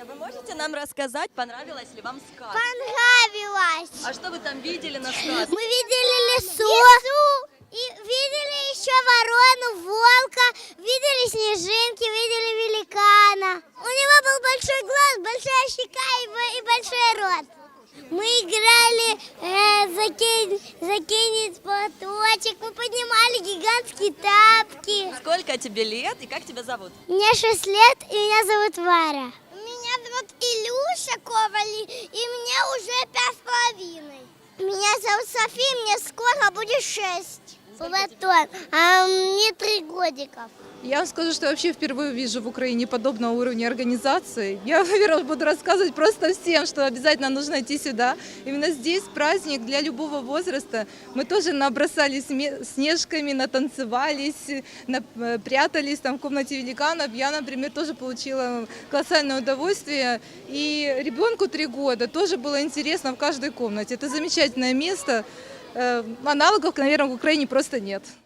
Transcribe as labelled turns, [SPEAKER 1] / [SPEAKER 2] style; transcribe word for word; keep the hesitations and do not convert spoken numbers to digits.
[SPEAKER 1] Соня, вы можете нам рассказать, понравилась ли вам сказка?
[SPEAKER 2] Понравилось.
[SPEAKER 1] А что вы там видели на сказке?
[SPEAKER 2] Мы видели лесу, лесу и видели еще ворону, волка, видели снежинки, видели великана. У него был большой глаз, большая щека и, бо- и большой рот. Мы играли э, закинь, закинуть платочек, мы поднимали гигантские тапки.
[SPEAKER 1] Сколько тебе лет и как тебя зовут?
[SPEAKER 2] Мне шесть лет, и меня зовут Варя. Меня зовут Илюша Ковали, и мне уже пять с половиной. Меня зовут София, мне скоро будет шесть. Платон, а мне три годика.
[SPEAKER 3] Я вам скажу, что я вообще впервые вижу в Украине подобного уровня организации. Я, наверное, буду рассказывать просто всем, что обязательно нужно идти сюда. Именно здесь праздник для любого возраста. Мы тоже набросались снежками, натанцевались, прятались там в комнате великанов. Я, например, тоже получила колоссальное удовольствие. И ребенку три года тоже было интересно в каждой комнате. Это замечательное место. Аналогов, наверное, в Украине просто нет.